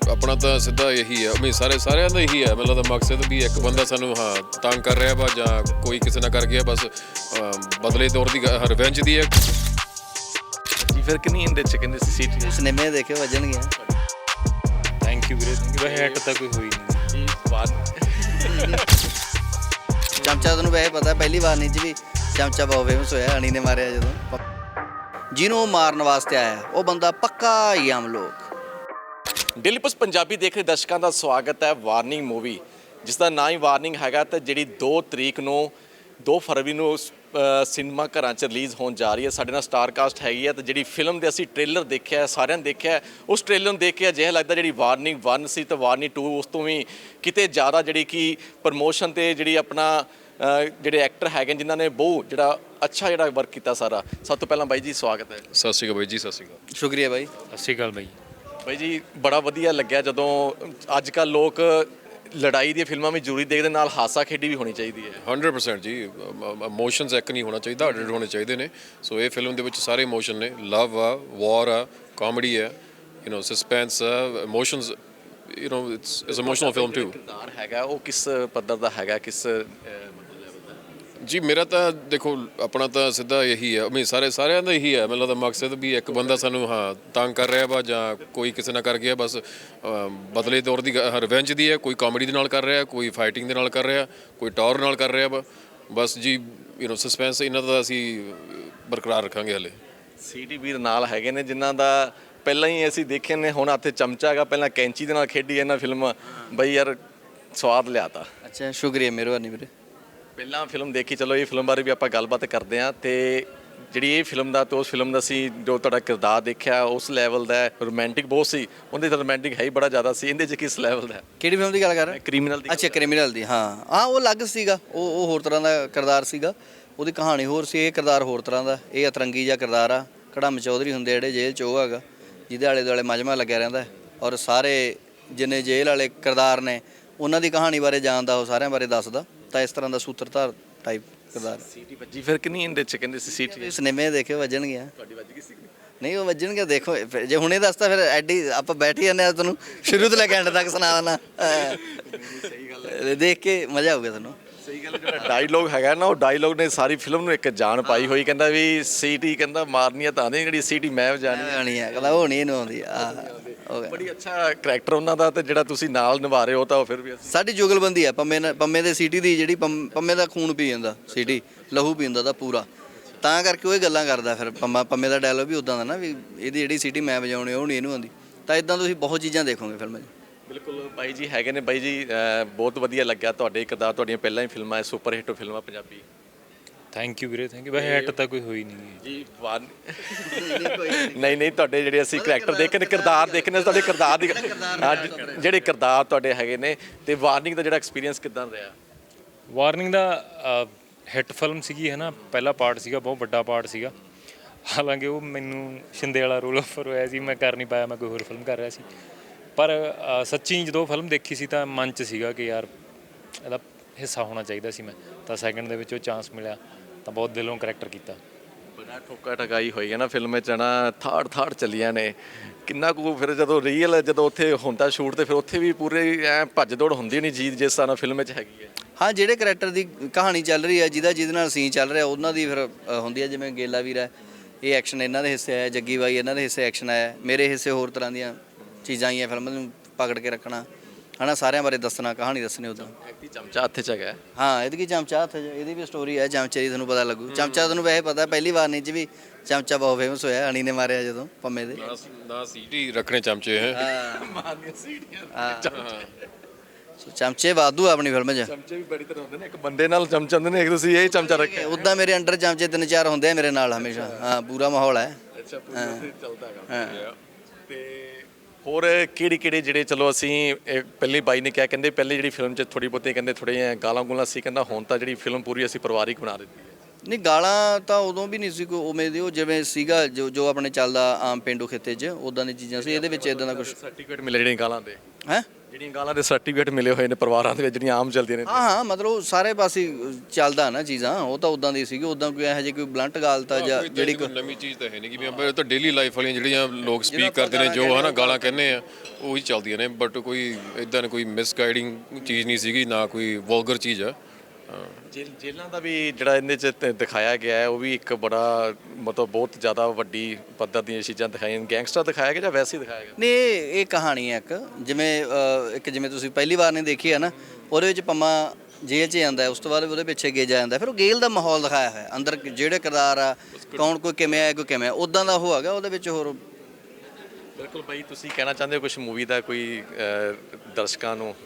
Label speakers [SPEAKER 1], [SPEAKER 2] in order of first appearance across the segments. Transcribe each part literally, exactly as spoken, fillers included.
[SPEAKER 1] ਆਪਣਾ ਤਾਂ ਸਿੱਧਾ ਇਹੀ ਹੈ ਮੈਂ ਸਾਰੇ ਸਾਰਿਆਂ ਦਾ ਇਹੀ ਹੈ ਮਤਲਬ ਦਾ ਮਕਸਦ ਵੀ ਇੱਕ ਬੰਦਾ ਸਾਨੂੰ ਹਾਂ ਤੰਗ ਕਰ ਰਿਹਾ ਵਾ ਜਾਂ ਕੋਈ ਕਿਸੇ ਨਾਲ ਕਰ ਗਿਆ ਬਸ ਬਦਲੇ ਤੌਰ ਦੀ ਰਿਵੈਂਜ ਦੀ ਹੈ
[SPEAKER 2] ਜੀ ਫਿਰ ਕਿੰਨੀ ਇਹਦੇ ਚ ਕਹਿੰਦੇ ਸੀ ਸੀਟ
[SPEAKER 3] ਸਿਨੇਮੇ ਦੇਖੇ ਵੱਜਣਗੇ।
[SPEAKER 4] ਥੈਂਕ ਯੂ ਵੀਰੇ ਥੈਂਕ ਯੂ ਵੈਸੇ ਹਿੱਟ ਤਾਂ ਕੋਈ ਹੋਈ ਨਹੀਂ
[SPEAKER 2] ਜੀ ਬਾਤ
[SPEAKER 3] ਚਮਚਾ ਤੁਹਾਨੂੰ ਵੈਸੇ ਪਤਾ ਪਹਿਲੀ ਵਾਰ ਨਹੀਂ ਚ ਵੀ ਚਮਚਾ ਬਹੁਤ ਫੇਮਸ ਹੋਇਆ ਅਣੀ ਨੇ ਮਾਰਿਆ ਜਦੋਂ ਜਿਹਨੂੰ ਉਹ ਮਾਰਨ ਵਾਸਤੇ ਆਇਆ ਉਹ ਬੰਦਾ ਪੱਕਾ ਹੀ ਆਮ ਲੋਕ।
[SPEAKER 2] ਡੇਲੀ ਪੋਸਟ ਪੰਜਾਬੀ ਦੇਖ ਰਹੇ ਦਰਸ਼ਕਾਂ ਦਾ ਸਵਾਗਤ ਹੈ। ਵਾਰਨਿੰਗ ਮੂਵੀ ਜਿਸ ਦਾ ਨਾਂ ਹੀ ਵਾਰਨਿੰਗ ਹੈਗਾ ਤੇ ਜਿਹੜੀ ਦੋ ਤਰੀਕ ਨੂੰ ਦੋ ਫਰਵਰੀ ਨੂੰ ਸਿਨੇਮਾ ਘਰਾਂ 'ਚ ਰਿਲੀਜ਼ ਹੋਣ ਜਾ ਰਹੀ ਹੈ। ਸਾਡੇ ਨਾਲ ਸਟਾਰ ਕਾਸਟ ਹੈਗੀ ਹੈ ਤੇ ਜਿਹੜੀ ਫਿਲਮ ਦੇ ਅਸੀਂ ਟ੍ਰੇਲਰ ਦੇਖਿਆ ਸਾਰਿਆਂ ਨੇ ਦੇਖਿਆ ਉਸ ਟ੍ਰੇਲਰ ਨੂੰ ਦੇਖ ਕੇ ਅਜਿਹਾ ਲੱਗਦਾ ਜਿਹੜੀ ਵਾਰਨਿੰਗ ਵਨ ਸੀ ਤੇ ਵਾਰਨਿੰਗ ਟੂ ਉਸ ਤੋਂ ਵੀ ਕਿਤੇ ਜ਼ਿਆਦਾ ਜਿਹੜੀ ਕਿ ਪ੍ਰਮੋਸ਼ਨ ਤੇ ਜਿਹੜੀ ਆਪਣਾ ਜਿਹੜੇ ਐਕਟਰ ਹੈਗੇ ਜਿਨ੍ਹਾਂ ਨੇ ਬਹੁਤ ਜਿਹੜਾ ਅੱਛਾ ਜਿਹੜਾ ਵਰਕ ਕੀਤਾ ਸਾਰਾ। ਸਭ ਤੋਂ ਪਹਿਲਾਂ ਬਾਈ ਜੀ ਸਵਾਗਤ ਹੈ।
[SPEAKER 1] ਸਤਿ ਸ਼੍ਰੀ ਅਕਾਲ ਬਾਈ ਜੀ। ਸਤਿ ਸ਼੍ਰੀ ਅਕਾਲ।
[SPEAKER 3] ਸ਼ੁਕਰੀਆ ਬਾਈ।
[SPEAKER 4] ਸਤਿ ਸ਼੍ਰੀ ਅਕਾਲ ਬਾਈ।
[SPEAKER 2] ਬਾਈ ਜੀ ਬੜਾ ਵਧੀਆ ਲੱਗਿਆ ਜਦੋਂ ਅੱਜ ਕੱਲ੍ਹ ਲੋਕ ਲੜਾਈ ਦੀਆਂ ਫਿਲਮਾਂ ਵੀ ਜ਼ਰੂਰੀ ਦੇਖਦੇ ਨਾਲ ਹਾਸਾ ਖੇਡੀ ਵੀ ਹੋਣੀ ਚਾਹੀਦੀ ਹੈ।
[SPEAKER 1] ਹੰਡਰਡ ਪਰਸੈਂਟ ਜੀ ਇਮੋਸ਼ਨਸ ਇੱਕ ਨਹੀਂ ਹੋਣਾ ਚਾਹੀਦਾ ਹੰਡਰਡ ਹੋਣੇ ਚਾਹੀਦੇ ਨੇ। ਸੋ ਇਹ ਫਿਲਮ ਦੇ ਵਿੱਚ ਸਾਰੇ ਇਮੋਸ਼ਨ ਨੇ ਲਵ ਆ ਵਾਰ ਆ ਕਾਮੇਡੀ ਹੈ ਯੂ ਨੋ ਸਸਪੈਂਸ ਆ emotions you know it's it's emotional film too.
[SPEAKER 2] ਕਿਰਦਾਰ ਹੈਗਾ ਉਹ ਕਿਸ ਪੱਧਰ ਦਾ ਹੈਗਾ ਕਿਸ
[SPEAKER 1] ਜੀ ਮੇਰਾ ਤਾਂ ਦੇਖੋ ਆਪਣਾ ਤਾਂ ਸਿੱਧਾ ਇਹੀ ਹੈ ਮੈਂ ਸਾਰੇ ਸਾਰਿਆਂ ਦਾ ਇਹੀ ਹੈ ਮਤਲਬ ਦਾ ਮਕਸਦ ਵੀ ਇੱਕ ਬੰਦਾ ਸਾਨੂੰ ਹਾਂ ਤੰਗ ਕਰ ਰਿਹਾ ਵਾ ਜਾਂ ਕੋਈ ਕਿਸੇ ਨਾਲ ਕਰ ਗਿਆ ਬਸ ਬਦਲੇ ਤੌਰ ਦੀ ਰਿਵੈਂਜ ਦੀ ਹੈ। ਕੋਈ ਕਾਮੇਡੀ ਦੇ ਨਾਲ ਕਰ ਰਿਹਾ ਕੋਈ ਫਾਈਟਿੰਗ ਦੇ ਨਾਲ ਕਰ ਰਿਹਾ ਕੋਈ ਟੌਰ ਨਾਲ ਕਰ ਰਿਹਾ ਵਾ ਬਸ ਜੀ ਯੂ ਨੋ ਸਸਪੈਂਸ ਇਹਨਾਂ ਦਾ ਅਸੀਂ ਬਰਕਰਾਰ ਰੱਖਾਂਗੇ ਹਲੇ।
[SPEAKER 2] ਸੀਟੀ ਵੀਰ ਨਾਲ ਹੈਗੇ ਨੇ ਜਿਨ੍ਹਾਂ ਦਾ ਪਹਿਲਾਂ ਹੀ ਅਸੀਂ ਦੇਖੇ ਨੇ ਹੁਣ ਹੱਥੇ ਚਮਚਾ ਹੈਗਾ ਪਹਿਲਾਂ ਕੈਂਚੀ ਦੇ ਨਾਲ ਖੇਡੀ ਇਹਨਾਂ ਫਿਲਮ ਬਈ ਯਾਰ ਸਵਾਦ ਲਿਆਤਾ।
[SPEAKER 3] ਅੱਛਾ ਸ਼ੁਕਰੀਆ ਮਿਹਰਬਾਨੀ ਵੀਰੇ।
[SPEAKER 2] ਪਹਿਲਾਂ ਫਿਲਮ ਦੇਖੀ ਚਲੋ ਇਹ ਫਿਲਮ ਬਾਰੇ ਵੀ ਆਪਾਂ ਗੱਲਬਾਤ ਕਰਦੇ ਹਾਂ ਤੇ ਜਿਹੜੀ ਇਹ ਫਿਲਮ ਦਾ ਤੇ ਉਸ ਫਿਲਮ ਦਾ ਸੀ ਜੋ ਤੁਹਾਡਾ ਕਿਰਦਾਰ ਦੇਖਿਆ ਉਸ ਲੈਵਲ ਦਾ ਰੋਮਾਂਟਿਕ ਬਹੁਤ ਸੀ ਉਹਦੇ ਤਾਂ ਰੋਮਾਂਟਿਕ ਹੈ ਹੀ ਬੜਾ ਜ਼ਿਆਦਾ ਸੀ ਇਹਦੇ 'ਚ ਕਿਸ ਲੈਵਲ ਦਾ
[SPEAKER 3] ਕਿਹੜੀ ਫਿਲਮ ਦੀ ਗੱਲ ਕਰ ਰਹੇ?
[SPEAKER 2] ਕ੍ਰਿਮੀਨਲ ਦੀ।
[SPEAKER 3] ਅੱਛਾ ਕ੍ਰਿਮੀਨਲ ਦੀ। ਹਾਂ ਹਾਂ ਉਹ ਅਲੱਗ ਸੀਗਾ ਉਹ ਉਹ ਹੋਰ ਤਰ੍ਹਾਂ ਦਾ ਕਿਰਦਾਰ ਸੀਗਾ ਉਹਦੀ ਕਹਾਣੀ ਹੋਰ ਸੀ ਇਹ ਕਿਰਦਾਰ ਹੋਰ ਤਰ੍ਹਾਂ ਦਾ ਇਹ ਅਤਰੰਗੀ ਜਿਹਾ ਕਿਰਦਾਰ ਆ ਕੜਮ ਚੌਧਰੀ ਹੁੰਦੇ ਜਿਹੜੇ ਜੇਲ੍ਹ 'ਚ ਉਹ ਹੈਗਾ ਜਿਹਦੇ ਆਲੇ ਦੁਆਲੇ ਮਜਮਾ ਲੱਗਿਆ ਰਹਿੰਦਾ ਔਰ ਸਾਰੇ ਜਿੰਨੇ ਜੇਲ੍ਹ ਵਾਲੇ ਕਿਰਦਾਰ ਨੇ ਉਹਨਾਂ ਦੀ ਕਹਾਣੀ ਬਾਰੇ ਜਾਣਦਾ ਉਹ ਸਾਰਿਆਂ ਬਾਰੇ ਦੱਸਦਾ ਤਾਂ ਇਸ ਤਰ੍ਹਾਂ ਦਾ ਸੂਤਰਧਾਰ ਟਾਈਪ ਕਿਰਦਾਰ।
[SPEAKER 2] ਸੀਟੀ ਵੱਜੀ ਫਿਰ ਕਿੰਨੀ ਇਹਦੇ 'ਚ ਕਹਿੰਦੇ ਸੀ ਸੀਟੀ
[SPEAKER 3] ਸਿਨੇਮੇ ਦੇਖੇ ਵੱਜਣਗੇ।
[SPEAKER 2] ਤੁਹਾਡੀ ਵੱਜ ਗਈ ਸੀ
[SPEAKER 3] ਨਹੀਂ ਉਹ ਵੱਜਣਗੇ ਦੇਖੋ ਜੇ ਹੁਣੇ ਦੱਸਤਾ ਫਿਰ ਐਡੀ ਆਪਾਂ ਬੈਠ ਹੀ ਜਾਂਦੇ ਆ ਤੁਹਾਨੂੰ ਸ਼ੁਰੂ ਤੋਂ ਲੈ ਕੇ ਐਂਡ ਤੱਕ ਸੁਣਾ ਦੇਣਾ।
[SPEAKER 2] ਸਹੀ ਗੱਲ ਹੈ
[SPEAKER 3] ਦੇਖ ਕੇ ਮਜ਼ਾ ਆਊਗਾ ਤੁਹਾਨੂੰ।
[SPEAKER 2] ਸਹੀ ਗੱਲ ਜਿਹੜਾ ਡਾਇਲੋਗ ਹੈਗਾ ਨਾ ਉਹ ਡਾਇਲੋਗ ਨੇ ਸਾਰੀ ਫਿਲਮ ਨੂੰ ਇੱਕ ਜਾਨ ਪਾਈ ਹੋਈ ਕਹਿੰਦਾ ਵੀ ਸੀਟੀ ਕਹਿੰਦਾ ਮਾਰਨੀ ਆ ਤਾਂ ਨਹੀਂ ਜਿਹੜੀ ਸੀਟੀ ਮੈਂ ਵਜਾਣੀ
[SPEAKER 3] ਆਣੀ ਆ ਕਹਿੰਦਾ ਉਹ ਨਹੀਂ ਇਹਨੂੰ ਆਉਂਦੀ ਆ ਹੋ ਗਿਆ।
[SPEAKER 2] ਬੜੀ ਅੱਛਾ ਕਰੈਕਟਰ ਉਹਨਾਂ ਦਾ ਤੇ ਜਿਹੜਾ ਤੁਸੀਂ ਨਾਲ ਨਿਭਾ ਰਹੇ ਹੋ ਤਾਂ ਉਹ ਫਿਰ ਵੀ
[SPEAKER 3] ਸਾਡੀ ਜੁਗਲਬੰਦੀ ਆ ਪੰਮੇ ਨਾਲ ਪੰਮੇ ਦੇ ਸੀਟੀ ਦੀ ਜਿਹੜੀ ਪੰਮ- ਪੰਮੇ ਦਾ ਖੂਨ ਪੀ ਜਾਂਦਾ ਸੀਟੀ ਲਹੂ ਪੀਂਦਾ ਦਾ ਪੂਰਾ ਤਾਂ ਕਰਕੇ ਉਹ ਇਹ ਗੱਲਾਂ ਕਰਦਾ ਫਿਰ ਪੰਮਾ ਪੰਮੇ ਦਾ ਡਾਇਲੋਗ ਵੀ ਉਦਾਂ ਦਾ ਨਾ ਵੀ ਇਹਦੀ ਜਿਹੜੀ ਸੀਟੀ ਮੈਂ ਵਜਾਉਣੀ ਉਹ ਨਹੀਂ ਇਹਨੂੰ ਆਉਂਦੀ ਤਾਂ ਇਦਾਂ ਤੁਸੀਂ ਬਹੁਤ ਚੀਜ਼ਾਂ ਦੇਖੋਗੇ ਫਿਲਮ 'ਚ।
[SPEAKER 2] ਬਿਲਕੁਲ ਬਾਈ ਜੀ ਹੈਗੇ ਨੇ ਬਾਈ ਜੀ ਬਹੁਤ ਵਧੀਆ ਲੱਗਿਆ ਤੁਹਾਡੇ ਕਿਰਦਾਰ ਤੁਹਾਡੀਆਂ ਪਹਿਲਾਂ ਹੀ ਫਿਲਮਾਂ ਸੁਪਰ ਹਿੱਟ ਫਿਲਮਾਂ ਪੰਜਾਬੀ।
[SPEAKER 4] ਥੈਂਕ ਯੂ ਵੀਰੇ ਥੈਂਕ ਯੂ ਵੈਸੇ ਹਿੱਟ ਤਾਂ ਕੋਈ ਹੋਈ ਨਹੀਂ
[SPEAKER 2] ਜੀ ਵਾਰ ਨਹੀਂ ਨਹੀਂ ਤੁਹਾਡੇ ਜਿਹੜੇ ਅਸੀਂ ਕਰੈਕਟਰ ਦੇਖੇ ਨੇ ਕਿਰਦਾਰ ਦੇਖੇ ਨੇ ਤੁਹਾਡੇ ਕਿਰਦਾਰ ਦੀ ਜਿਹੜੇ ਕਿਰਦਾਰ ਤੁਹਾਡੇ ਹੈਗੇ ਨੇ ਤੇ ਵਾਰਨਿੰਗ ਦਾ ਜਿਹੜਾ ਐਕਸਪੀਰੀਅੰਸ ਕਿੱਦਾਂ ਰਿਹਾ?
[SPEAKER 4] ਵਾਰਨਿੰਗ ਦਾ ਹਿੱਟ ਫਿਲਮ ਸੀਗੀ ਹੈ ਨਾ ਪਹਿਲਾ ਪਾਰਟ ਸੀਗਾ ਬਹੁਤ ਵੱਡਾ ਪਾਰਟ ਸੀਗਾ ਹਾਲਾਂਕਿ ਉਹ ਮੈਨੂੰ ਸ਼ਿੰਦੇ ਵਾਲਾ ਰੋਲ ਆਫਰ ਹੋਇਆ ਸੀ ਮੈਂ ਕਰ ਨਹੀਂ ਪਾਇਆ ਮੈਂ ਕੋਈ ਹੋਰ ਫਿਲਮ ਕਰ ਰਿਹਾ ਸੀ ਪਰ ਸੱਚੀ ਜਦੋਂ ਫਿਲਮ ਦੇਖੀ ਸੀ ਤਾਂ ਮਨ 'ਚ ਸੀਗਾ ਕਿ ਯਾਰ ਇਹਦਾ ਹਿੱਸਾ ਹੋਣਾ ਚਾਹੀਦਾ ਸੀ ਮੈਂ ਤਾਂ ਸੈਕਿੰਡ ਦੇ ਵਿੱਚ ਉਹ ਚਾਂਸ ਮਿਲਿਆ ਤਾਂ ਬਹੁਤ ਦਿਲੋਂ ਕਰੈਕਟਰ ਕੀਤਾ।
[SPEAKER 2] ਬੜਾ ਠੋਕਾ ਠਕਾਈ ਹੋਈ ਹੈ ਨਾ ਫਿਲਮ ਵਿੱਚ ਨਾ ਥਾੜ ਥਾੜ ਚੱਲੀਆਂ ਨੇ ਕਿੰਨਾ ਕੁ ਫਿਰ ਜਦੋਂ ਰੀਅਲ ਜਦੋਂ ਉੱਥੇ ਹੁੰਦਾ ਸ਼ੂਟ ਤੇ ਫਿਰ ਉੱਥੇ ਵੀ ਪੂਰੇ ਐ ਭੱਜ ਦੌੜ ਹੁੰਦੀ ਨਹੀਂ ਚੀਜ਼ ਜਿਸ ਤਰ੍ਹਾਂ ਫਿਲਮ ਵਿੱਚ ਹੈਗੀ ਹੈ।
[SPEAKER 3] ਹਾਂ ਜਿਹੜੇ ਕਰੈਕਟਰ ਦੀ ਕਹਾਣੀ ਚੱਲ ਰਹੀ ਹੈ ਜਿਹਦਾ ਜਿਹਦੇ ਨਾਲ ਸੀਨ ਚੱਲ ਰਿਹਾ ਉਹਨਾਂ ਦੀ ਫਿਰ ਹੁੰਦੀ ਹੈ ਜਿਵੇਂ ਗੇਲਾ ਵੀਰ ਹੈ ਇਹ ਐਕਸ਼ਨ ਇਹਨਾਂ ਦੇ ਹਿੱਸੇ ਆਇਆ ਜੱਗੀ ਬਾਈ ਇਹਨਾਂ ਦੇ ਹਿੱਸੇ ਐਕਸ਼ਨ ਆਇਆ ਮੇਰੇ ਹਿੱਸੇ ਹੋਰ ਤਰ੍ਹਾਂ ਦੀਆਂ ਚੀਜ਼ਾਂ ਆਈਆਂ ਫਿਲਮ ਨੂੰ ਪਕੜ ਕੇ ਰੱਖਣਾ ਹੈ ਨਾ ਸਾਰਿਆਂ ਬਾਰੇ ਦੱਸਣਾ ਕਹਾਣੀ ਦੱਸਣੀ ਉੱਦਾਂ।
[SPEAKER 2] ਐਕਟੀ ਚਮਚਾ ਹੱਥ 'ਚ ਹੈਗਾ।
[SPEAKER 3] ਹਾਂ ਇਹਦੀ ਕੀ ਚਮਚਾ ਹੱਥ 'ਚ ਇਹਦੀ ਵੀ ਸਟੋਰੀ ਹੈ ਚਮਚੇ ਦੀ ਤੁਹਾਨੂੰ ਪਤਾ ਲੱਗੂ ਚਮਚਾ ਤੁਹਾਨੂੰ ਵੈਸੇ ਪਤਾ ਪਹਿਲੀ ਵਾਰ ਨਹੀਂ 'ਚ ਵੀ ਚਮਚਾ ਬਹੁਤ ਫੇਮਸ ਹੋਇਆ ਅਣੀ ਨੇ ਮਾਰਿਆ ਜਦੋਂ ਪੰਮੇ ਦੇ
[SPEAKER 1] ਨਾ ਸੀਟੀ ਰੱਖਣੇ ਚਮਚੇ ਹੈ
[SPEAKER 2] ਮਾਰਨੀਆਂ ਸੀਟੀਆਂ
[SPEAKER 3] ਸੋ ਚਮਚੇ ਵਾਧੂ ਆਪਣੀ ਫਿਲਮ 'ਚ
[SPEAKER 2] ਚਮਚੇ ਵੀ ਬੜੀ ਤਰ੍ਹਾਂ ਹੁੰਦੇ ਨੇ ਇੱਕ ਬੰਦੇ ਨਾਲ ਚਮਚਾ ਹੁੰਦੇ ਨੇ ਇੱਕ ਤੁਸੀਂ ਇਹ ਚਮਚਾ ਰੱਖਿਆ
[SPEAKER 3] ਉੱਦਾਂ ਮੇਰੇ ਅੰਡਰ ਚਮਚੇ ਤਿੰਨ ਚਾਰ ਹੁੰਦੇ ਆ ਮੇਰੇ ਨਾਲ ਹਮੇਸ਼ਾ ਹਾਂ ਪੂਰਾ ਮਾਹੌਲ ਹੈ।
[SPEAKER 2] ਅੱਛਾ ਪੂਰਾ ਚੱਲਦਾ ਹੈਗਾ ਤੇ ਹੋਰ ਕਿਹੜੀ ਕਿਹੜੇ ਜਿਹੜੇ ਚਲੋ ਅਸੀਂ ਪਹਿਲੀ ਬਾਈ ਨੇ ਕਿਹਾ ਕਹਿੰਦੇ ਪਹਿਲੇ ਜਿਹੜੀ ਫਿਲਮ 'ਚ ਥੋੜੀ ਬਹੁਤੀ ਕਹਿੰਦੇ ਥੋੜ੍ਹੀਆਂ ਗਾਲਾਂ ਗੁਲਾਂ ਸੀ ਕਹਿੰਦਾ ਹੁਣ ਤਾਂ ਜਿਹੜੀ ਫਿਲਮ ਪੂਰੀ ਅਸੀਂ ਪਰਿਵਾਰਿਕ ਬਣਾ ਦਿੱਤੀ ਹੈ।
[SPEAKER 3] ਨਹੀਂ ਗਾਲਾਂ ਤਾਂ ਉਦੋਂ ਵੀ ਨਹੀਂ ਸੀ ਕੋਈ ਉਵੇਂ ਦੀ ਉਹ ਜਿਵੇਂ ਸੀਗਾ ਜੋ ਜੋ ਆਪਣੇ ਚੱਲਦਾ ਆਮ ਪੇਂਡੂ ਖਿੱਤੇ 'ਚ ਉਦਾਂ ਦੀ ਚੀਜ਼ਾਂ ਸੀ ਇਹਦੇ ਵਿੱਚ ਇਦਾਂ ਦਾ ਕੁਝ
[SPEAKER 2] ਸਰਟੀਫਿਕੇਟ ਮਿਲੇ ਜਿਹੜੇ ਗਾਲਾਂ ਦੇ
[SPEAKER 3] ਹੈ
[SPEAKER 2] ਜਿਹੜੀਆਂ ਗਾਲਾਂ ਦੇ ਸਰਟੀਫਿਕੇਟ ਮਿਲੇ ਹੋਏ ਨੇ ਪਰਿਵਾਰਾਂ ਦੇ ਵਿੱਚ ਜਿਹੜੀਆਂ ਆਮ ਚੱਲਦੀਆਂ ਨੇ।
[SPEAKER 3] ਹਾਂ ਹਾਂ ਮਤਲਬ ਸਾਰੇ ਪਾਸੇ ਚੱਲਦਾ ਨਾ ਚੀਜ਼ਾਂ, ਉਹ ਤਾਂ ਉਦਾਂ ਦੀ ਸੀਗੀ, ਉਦਾਂ ਕੋਈ ਇਹੋ ਜਿਹੀ ਕੋਈ ਬਲੰਟ ਗੱਲ ਤਾਂ ਜਾਂ ਜਿਹੜੀ
[SPEAKER 1] ਕੋਈ ਨਵੀਂ ਚੀਜ਼ ਤਾਂ ਹੈ ਨਹੀਂ ਕਿ ਵੀ ਆਪਾਂ ਤਾਂ ਡੇਲੀ ਲਾਈਫ ਵਾਲੀਆਂ ਜਿਹੜੀਆਂ ਲੋਕ ਸਪੀਕ ਕਰਦੇ ਨੇ ਜੋ ਹਨਾ ਗਾਲਾਂ ਕਹਿੰਦੇ ਆ ਉਹੀ ਚੱਲਦੀਆਂ ਨੇ, ਬਟ ਕੋਈ ਇਦਾਂ ਦੀ ਕੋਈ ਮਿਸਗਾਈਡਿੰਗ ਚੀਜ਼ ਨਹੀਂ ਸੀਗੀ, ਨਾ ਕੋਈ ਵਲਗਰ ਚੀਜ਼ ਆ।
[SPEAKER 2] ਜੇਲ੍ਹ ਜੇਲ੍ਹਾਂ ਦਾ ਵੀ ਜਿਹੜਾ ਇਹਦੇ 'ਚ ਤ- ਦਿਖਾਇਆ ਗਿਆ ਹੈ ਉਹ ਵੀ ਇੱਕ ਬੜਾ ਮਤਲਬ ਬਹੁਤ ਜ਼ਿਆਦਾ ਵੱਡੀ ਪੱਧਰ ਦੀਆਂ ਚੀਜ਼ਾਂ ਦਿਖਾਈਆਂ। ਗੈਂਗਸਟਰ ਦਿਖਾਇਆ ਗਿਆ ਜਾਂ ਵੈਸੇ ਹੀ ਦਿਖਾਇਆ ਗਿਆ?
[SPEAKER 3] ਨਹੀਂ ਇਹ ਇਹ ਕਹਾਣੀ ਹੈ ਇੱਕ, ਜਿਵੇਂ ਅ, ਇੱਕ ਜਿਵੇਂ ਤੁਸੀਂ ਪਹਿਲੀ ਵਾਰ ਨੇ ਦੇਖੀ ਹੈ ਨਾ, ਉਹਦੇ ਵਿੱਚ ਪੰਮਾ ਜੇਲ੍ਹ 'ਚ ਜਾਂਦਾ ਹੈ, ਉਸ ਤੋਂ ਬਾਅਦ ਉਹਦੇ ਪਿੱਛੇ ਗੇਜਾ ਜਾਂਦਾ, ਫਿਰ ਉਹ ਜੇਲ੍ਹ ਦਾ ਮਾਹੌਲ ਦਿਖਾਇਆ ਹੋਇਆ ਅੰਦਰ, ਜਿਹੜੇ ਕਿਰਦਾਰ ਆ ਕੌਣ ਕੋਈ ਕਿਵੇਂ ਆ ਕੋਈ ਕਿਵੇਂ, ਉਦਾਂ ਦਾ ਉਹ ਹੈਗਾ ਉਹਦੇ ਵਿੱਚ। ਹੋਰ
[SPEAKER 2] ਬਿਲਕੁਲ ਬਾਈ, ਤੁਸੀਂ ਕਹਿਣਾ ਚਾਹੁੰਦੇ ਹੋ ਕੁਝ ਮੂਵੀ ਦਾ ਕੋਈ ਅ, ਦਰਸ਼ਕਾਂ ਨੂੰ?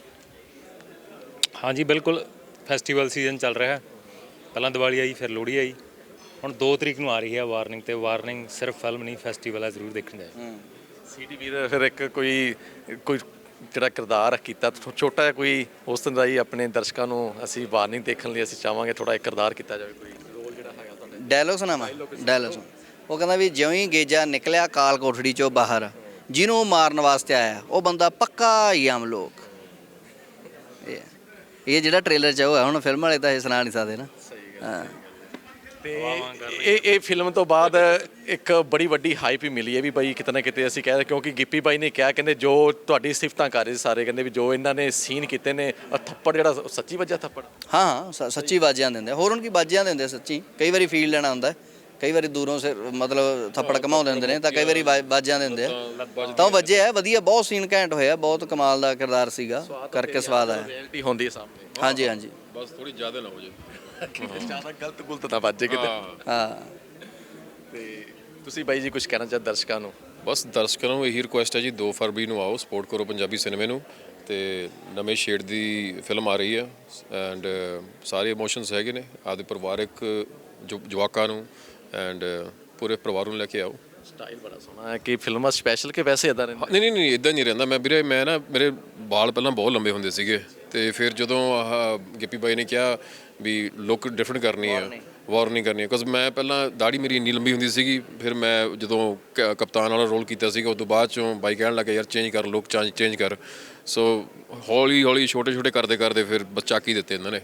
[SPEAKER 4] ਹਾਂਜੀ ਬਿਲਕੁਲ, ਫੈਸਟੀਵਲ ਸੀਜ਼ਨ ਚੱਲ ਰਿਹਾ ਹੈ। ਪਹਿਲਾਂ ਦੀਵਾਲੀ ਆਈ, ਫਿਰ ਲੋਹੜੀ ਆਈ, ਹੁਣ ਦੋ ਤਰੀਕ ਨੂੰ ਆ ਰਹੀ ਹੈ ਵਾਰਨਿੰਗ। ਤੇ ਵਾਰਨਿੰਗ ਸਿਰਫ ਫਿਲਮ ਨਹੀਂ, ਫੈਸਟੀਵਲ ਹੈ, ਜ਼ਰੂਰ ਦੇਖਣ ਜਾਏ।
[SPEAKER 2] ਸੀਡੀ ਵੀਰ ਫਿਰ ਇੱਕ ਕੋਈ ਕੋਈ ਜਿਹੜਾ ਕਿਰਦਾਰ ਕੀਤਾ ਛੋ- ਛੋਟਾ ਜਿਹਾ ਕੋਈ ਉਸ ਤਰ੍ਹਾਂ ਦਾ ਹੀ ਆਪਣੇ ਦਰਸ਼ਕਾਂ ਨੂੰ ਅਸੀਂ ਵਾਰਨਿੰਗ ਦੇਖਣ ਲਈ ਅਸੀਂ ਚਾਹਾਂਗੇ ਥੋੜਾ ਇੱਕ ਕਿਰਦਾਰ ਕੀਤਾ ਜਾਵੇ, ਕੋਈ ਰੋਲ ਜਿਹੜਾ ਹੈਗਾ ਤੁਹਾਡਾ।
[SPEAKER 3] ਡਾਇਲੋਗ ਸੁਣਾਵਾਂ? ਡਾਇਲੋਗ ਸੁਣ। ਉਹ ਕਹਿੰਦਾ ਵੀ ਜਿਉਂ ਹੀ ਗੇਜਾ ਨਿਕਲਿਆ ਕਾਲ ਕੋਠੜੀ ਚੋਂ ਬਾਹਰ, ਜਿਹਨੂੰ ਉਹ ਮਾਰਨ ਵਾਸਤੇ ਆਇਆ ਉਹ ਬੰਦਾ ਪੱਕਾ ਹੀ ਆਮ ਲੋਕ। ਇਹ ਹੈ। ਇਹ ਜਿਹੜਾ ਟ੍ਰੇਲਰ 'ਚ ਉਹ ਹੈ, ਹੁਣ ਫਿਲਮ ਵਾਲੇ ਤਾਂ ਇਹ ਸੁਣਾ ਨਹੀਂ ਸਕਦੇ ਨਾ। ਹਾਂ
[SPEAKER 2] ਤੇ ਇਹ ਇਹ ਫਿਲਮ ਤੋਂ ਬਾਅਦ ਇੱਕ ਬੜੀ ਵੱਡੀ ਹਾਈਪ ਹੀ ਮਿਲੀ ਹੈ ਵੀ ਬਾਈ ਕਿਤੇ ਨਾ ਕਿਤੇ ਅਸੀਂ ਕਹਿ ਰਹੇ, ਕਿਉਂਕਿ ਗਿੱਪੀ ਬਾਈ ਨੇ ਕਿਹਾ, ਕਹਿੰਦੇ ਜੋ ਤੁਹਾਡੀ ਸਿਫਤਾਂ ਕਰ ਰਹੇ ਸੀ ਸਾਰੇ, ਕਹਿੰਦੇ ਵੀ ਜੋ ਇਹਨਾਂ ਨੇ ਸੀਨ ਕੀਤੇ ਨੇ, ਆਹ ਥੱਪੜ ਜਿਹੜਾ ਉਹ ਸੱਚੀ ਵੱਜਿਆ ਥੱਪੜ।
[SPEAKER 3] ਹਾਂ ਹਾਂ ਸ- ਸੱਚੀ ਬਾਜੀਆਂ ਦਿੰਦੇ ਆ। ਹੋਰ ਹੁਣ ਕੀ ਬਾਜੀਆਂ ਦਿੰਦੇ ਆ ਸੱਚੀ, ਕਈ ਵਾਰੀ ਫੀਲ ਲੈਣਾ ਹੁੰਦਾ, ਕਈ ਵਾਰੀ ਦੂਰੋਂ ਸਿਰ ਮਤਲਬ ਥੱਪੜ ਘਮਾਉਂਦੇ ਹੁੰਦੇ ਨੇ, ਤਾਂ ਕਈ ਵਾਰੀ ਬਾ- ਬਾਜੀਆਂ ਦਿੰਦੇ ਆ, ਤਾਂ ਉਹ ਵੱਜੇ ਆ ਵਧੀਆ। ਬਹੁਤ ਸੀਨ ਘੈਂਟ ਹੋਇਆ, ਬਹੁਤ ਕਮਾਲ ਦਾ ਕਿਰਦਾਰ ਸੀਗਾ, ਕਰਕੇ ਸਵਾਦ ਆਇਆ।
[SPEAKER 2] ਰਿਐਲਿਟੀ ਹੁੰਦੀ ਹੈ ਸਾਹਮਣੇ,
[SPEAKER 3] ਹਾਂਜੀ ਹਾਂਜੀ
[SPEAKER 1] ਬਸ ਥੋੜੀ ਜ਼ਿਆਦਾ ਨਾ ਹੋ ਜੇ।
[SPEAKER 2] ਜ਼ਿਆਦਾ ਗਲਤ ਗੁਲਤ ਨਾ ਵੱਜੇ ਕਿਤੇ।
[SPEAKER 3] ਹਾਂ
[SPEAKER 2] ਤੇ ਤੁਸੀਂ ਬਾਈ ਜੀ ਕੁਝ ਕਹਿਣਾ ਚਾਹ ਦਰਸ਼ਕਾਂ ਨੂੰ?
[SPEAKER 1] ਬਸ ਦਰਸ਼ਕਾਂ ਨੂੰ ਇਹੀ ਰਿਕੁਐਸਟ ਹੈ ਜੀ, ਦੋ ਫਰਵਰੀ ਨੂੰ ਆਓ, ਸਪੋਰਟ ਕਰੋ ਪੰਜਾਬੀ ਸਿਨੇਮੇ ਨੂੰ। ਤੇ ਨਵੇਂ ਸ਼ੇਡ ਦੀ ਫਿਲਮ ਆ ਰਹੀ ਹੈ ਐਂਡ ਸਾਰੇ ਇਮੋਸ਼ਨਸ ਹੈਗੇ ਨੇ, ਆਪਦੇ ਪਰਿਵਾਰਕ ਜੋ ਜਵਾਕਾਂ ਨੂੰ ਐਂਡ ਪੂਰੇ ਪਰਿਵਾਰ ਨੂੰ ਲੈ ਕੇ ਆਓ।
[SPEAKER 2] ਸਟਾਈਲ ਬੜਾ ਸੋਹਣਾ ਹੈ ਕਿ ਫਿਲਮਾਂ ਸਪੈਸ਼ਲ ਕਿ ਵੈਸੇ ਇਦਾਂ ਰਹਿੰਦਾ?
[SPEAKER 1] ਨਹੀਂ ਨਹੀਂ ਨਹੀਂ ਇਦਾਂ ਨਹੀਂ ਰਹਿੰਦਾ ਮੈਂ ਵੀਰੇ। ਮੈਂ ਨਾ ਮੇਰੇ ਵਾਲ ਪਹਿਲਾਂ ਬਹੁਤ ਲੰਬੇ ਹੁੰਦੇ ਸੀਗੇ, ਤੇ ਫਿਰ ਜਦੋਂ ਆਹ ਗਿੱਪੀ ਬਾਈ ਨੇ ਕਿਹਾ ਵੀ ਲੁੱਕ ਡਿਫਰੈਂਟ ਕਰਨੀ ਆ, ਵਾਰਨਿੰਗ ਕਰਨੀ ਆ, ਬਿਕੋਜ਼ ਮੈਂ ਪਹਿਲਾਂ ਦਾੜੀ ਮੇਰੀ ਇੰਨੀ ਲੰਬੀ ਹੁੰਦੀ ਸੀਗੀ, ਫਿਰ ਮੈਂ ਜਦੋਂ ਕ- ਕਪਤਾਨ ਵਾਲਾ ਰੋਲ ਕੀਤਾ ਸੀਗਾ, ਉਸ ਤੋਂ ਬਾਅਦ ਚੋਂ ਬਾਈ ਕਹਿਣ ਲੱਗਾ ਯਾਰ ਚੇਂਜ ਕਰ, ਲੁੱਕ ਚੇਂਜ ਚੇਂਜ ਕਰ। ਸੋ ਹੌਲੀ ਹੌਲੀ ਛੋਟੇ ਛੋਟੇ ਕਰਦੇ ਕਰਦੇ ਫਿਰ ਬੱਚਾ ਕੀ ਦਿੱਤੇ ਇਹਨਾਂ ਨੇ।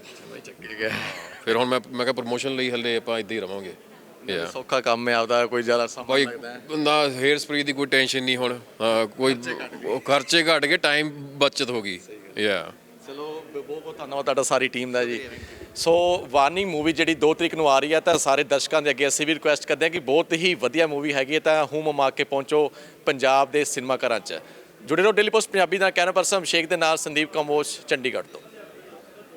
[SPEAKER 1] ਫਿਰ ਹੁਣ ਮੈਂ ਮੈਂ ਕਿਹਾ ਪ੍ਰਮੋਸ਼ਨ ਲਈ ਹਲੇ ਆਪਾਂ ਇੱਦਾਂ ਹੀ ਰਵਾਂਗੇ। ਯਾ
[SPEAKER 2] ਸੌਖਾ ਕੰਮ ਹੈ ਆਪਦਾ, ਕੋਈ ਜ਼ਿਆਦਾ ਸਮਾਂ
[SPEAKER 1] ਬਾਈ
[SPEAKER 2] ਲੱਗਦਾ ਹੈ।
[SPEAKER 1] ਨਾ ਹੇਅਰ ਸਪਰੇ ਦੀ ਕੋਈ ਟੈਨਸ਼ਨ ਨਹੀਂ ਹੁਣ, ਹਾਂ, ਕੋਈ ਉਹ ਖਰਚੇ ਘਟ ਗਏ, ਟਾਈਮ ਬਚਤ ਹੋ ਗਈ। ਯਾ
[SPEAKER 2] ਚਲੋ ਬਹੁਤ ਬਹੁਤ ਧੰਨਵਾਦ ਤੁਹਾਡਾ ਸਾਰੀ ਟੀਮ ਦਾ ਜੀ। ਸੋ ਵਾਰਨਿੰਗ ਮੂਵੀ ਜਿਹੜੀ ਦੋ ਤਰੀਕ ਨੂੰ ਆ ਰਹੀ ਹੈ, ਤਾਂ ਸਾਰੇ ਦਰਸ਼ਕਾਂ ਦੇ ਅੱਗੇ ਅਸੀਂ ਵੀ ਰਿਕੁਐਸਟ ਕਰਦੇ ਹਾਂ ਕਿ ਬਹੁਤ ਹੀ ਵਧੀਆ ਮੂਵੀ ਹੈਗੀ ਹੈ, ਤਾਂ ਹੂਮ ਮਮਾ ਕੇ ਪਹੁੰਚੋ ਪੰਜਾਬ ਦੇ ਸਿਨੇਮਾ ਘਰਾਂ 'ਚ। ਜੁੜੇ ਰਹੋ ਡੇਲੀ ਪੋਸਟ ਪੰਜਾਬੀ ਦਾ। ਕੈਮਰਾ ਪਰਸਨ ਅਭਿਸ਼ੇਕ ਦੇ ਨਾਲ ਸੰਦੀਪ ਕੰਬੋਜ, ਚੰਡੀਗੜ੍ਹ ਤੋਂ।